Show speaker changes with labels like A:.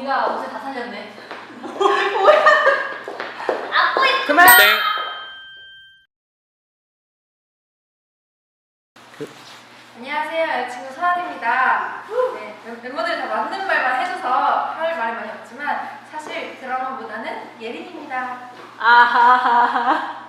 A: 언니가 옷을 다 살렸네. 뭐야? 안고 있.
B: 그만.
C: 안녕하세요, 여자친구 서한입니다. 네, 멤버들이 다 맞는 말만 해줘서 할 말이 많이 없지만 사실 드라마보다는 예린입니다.
B: 아하하하.